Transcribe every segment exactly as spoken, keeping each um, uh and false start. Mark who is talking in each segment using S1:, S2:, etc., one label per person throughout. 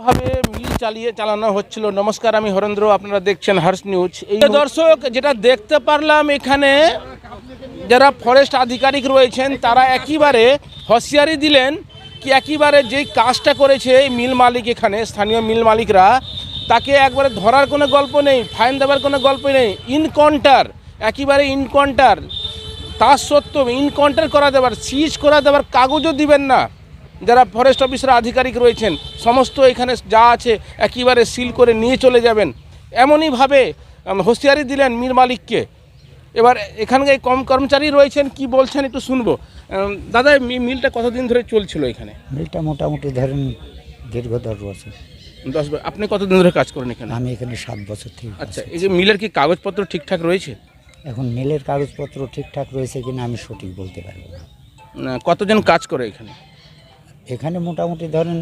S1: ভাবে মিল চালিয়ে চালানো হচ্ছিল। নমস্কার, আমি হরেন্দ্র, আপনারা দেখছেন হর্ষ নিউজ। এই দর্শক, যেটা দেখতে পারলাম এখানে যারা ফরেস্ট আধিকারিক রয়েছেন তারা একেবারে হুঁশিয়ারি দিলেন কি একেবারে যেই কাজটা করেছে এই মিল মালিক, এখানে স্থানীয় মিল মালিকরা, তাকে একবারে ধরার কোনো গল্প নেই, ফাইন দেওয়ার কোনো গল্প নেই, ইনকাউন্টার, একেবারে ইনকাউন্টার। তা সত্ত্বেও ইনকাউন্টার করা দেবার, সিজ করা দেবার কাগজও দিবেন না। যারা ফরেস্ট অফিসার আধিকারিক রয়েছেন সমস্ত এখানে যা আছে একেবারে সিল করে নিয়ে চলে যাবেন, এমনইভাবে হুঁশিয়ারি দিলেন মিল মালিককে। এবার এখানকার কম কর্মচারী রয়েছেন, কি বলছেন একটু শুনবো। দাদা, মিলটা কতদিন ধরে চলছিল এখানে?
S2: মিলটা মোটামুটি ধরেন দীর্ঘ দশ বছর।
S1: দশ বছর। আপনি কতদিন ধরে কাজ করেন এখানে?
S2: আমি এখানে সাত বছর থেকে।
S1: আচ্ছা, এই যে মিলের কি কাগজপত্র ঠিকঠাক রয়েছে?
S2: এখন মিলের কাগজপত্র ঠিকঠাক রয়েছে কিনা আমি সঠিক বলতে পারবো না।
S1: কতজন কাজ করে এখানে?
S2: এখানে মোটামুটি ধরেন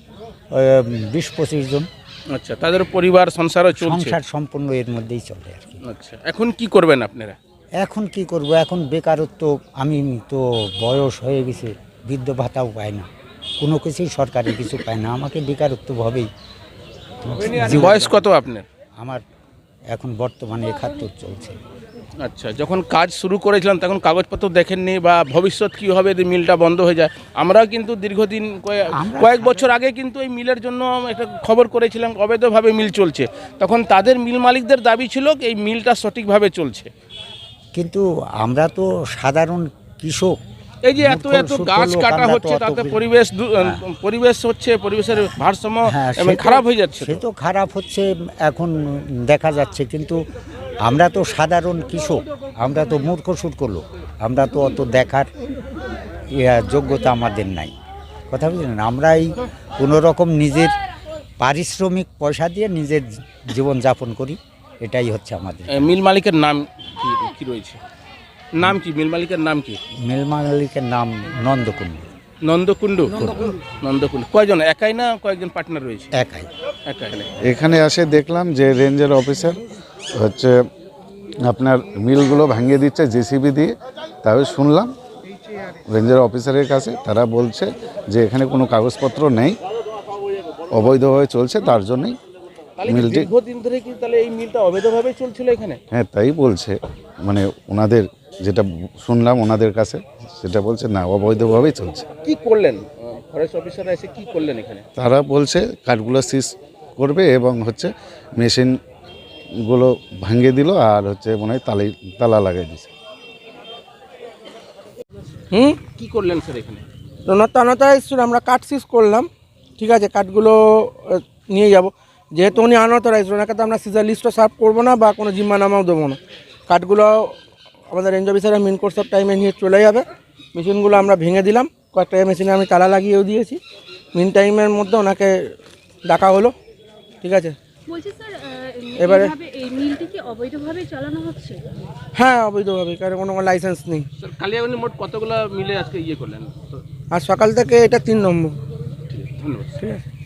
S2: বিশ পঁচিশ জন।
S1: আচ্ছা, তাদের পরিবার সংসারও চলছে?
S2: সংসার সম্পূর্ণ এর মধ্যেই চলে আর কি।
S1: আচ্ছা, এখন কি করবেন আপনারা?
S2: এখন কি করব, এখন বেকারত্ব, আমি তো বয়স হয়ে গেছে, বৃদ্ধ ভাতাও পাই না, কোনো কিছুই সরকারি কিছু পায় না, আমাকে বেকারত্বভাবেই।
S1: বয়স কত আপনার?
S2: আমার এখন বর্তমানে একাত্তর চলছে।
S1: আচ্ছা, যখন কাজ শুরু করেছিলাম তখন কাগজপত্র দেখেননি, বা ভবিষ্যৎ কী হবে যদি মিলটা বন্ধ হয়ে যায়? আমরাও কিন্তু দীর্ঘদিন কয়েক বছর আগে কিন্তু এই মিলের জন্য একটা খবর করেছিলাম, অবৈধভাবে মিল চলছে। তখন তাদের মিল মালিকদের দাবি ছিল এই মিলটা সঠিকভাবে চলছে।
S2: কিন্তু আমরা তো সাধারণ কৃষক,
S1: এই যে এত এত গাছ কাটা হচ্ছে, তাতে পরিবেশ পরিবেশ হচ্ছে, পরিবেশের ভারসাম্য খারাপ হয়ে যাচ্ছে।
S2: সে তো খারাপ হচ্ছে এখন দেখা যাচ্ছে, কিন্তু আমরা তো সাধারণ কৃষক, আমরা তো মূর্খ সুট লোক, আমরা তো অত দেখার যোগ্যতা আমাদের নাই। কথা বুঝলেন? আমরা এই কোনো রকম নিজের পারিশ্রমিক পয়সা দিয়ে নিজের জীবন যাপন করি, এটাই হচ্ছে আমাদের।
S1: মিল মালিকের নাম কি রয়েছে? নাম কি মিল মালিকের নাম কি?
S2: মিল মালিকের নাম নন্দকুণ্ডু।
S1: নন্দকুণ্ডু? নন্দকুণ্ডু। কয়জন? একাই না কয়েকজন পার্টনার রয়েছে?
S2: একাই।
S1: একাই।
S3: এখানে এসে দেখলাম যে রেঞ্জের অফিসার হচ্ছে আপনার মিলগুলো ভাঙিয়ে দিচ্ছে জেসিবি দিয়ে। তবে শুনলাম রেঞ্জের অফিসারের কাছে, তারা বলছে যে এখানে কোনো কাগজপত্র নেই, অবৈধভাবে চলছে, তার জন্যই মিলটি।
S1: দীর্ঘদিন ধরে কি তাহলে এই মিলটা অবৈধভাবে চলছিল এখানে?
S3: হ্যাঁ, তাই বলছে, মানে ওনাদের যেটা শুনলাম ওনাদের কাছে সেটা বলছে না, অবৈধভাবেই চলছে।
S1: কি করলেন ফরেস্ট অফিসাররা এসে, কি করলেন এখানে?
S3: তারা বলছে কাঠগুলো সিজ করবে এবং হচ্ছে মেশিনগুলো ভাঙিয়ে দিল, আর হচ্ছে মনে হয় তালাই তালা লাগাই দিছে।
S1: হুম, কি করলেন স্যার এখানে?
S4: নতা এসেছিল, আমরা কাঠ সিজ করলাম, ঠিক আছে, কাঠগুলো নিয়ে যাব। যেহেতু উনি আনঅথরাইজ, ওনাকে তো আমরা সিজার লিস্টও সার্ভ করবো না বা কোনো জিম্মানামাও দেবো না। কাঠগুলো আমাদের রেঞ্জ অফিসারের মেন কোর্স অফ টাইমে নিয়ে চলে যাবে। মেশিনগুলো আমরা ভেঙে দিলাম, কয়েকটা মেশিনে আমি তালা লাগিয়েও দিয়েছি। মিন টাইমের মধ্যে ওনাকে ডাকা হলো, ঠিক আছে।
S5: বলছি স্যার,
S4: এবারে
S5: এই মিলটি কি অবৈধভাবে চালানো হচ্ছে?
S4: হ্যাঁ, অবৈধভাবে, কারণ কোনো লাইসেন্স নেই।
S1: স্যার, কালিয়াগঞ্জে মোট কতগুলো মিলে আজকে ইয়ে করলেন?
S4: আর সকাল থেকে এটা তিন নম্বর।
S1: ধন্যবাদ।
S4: ঠিক আছে।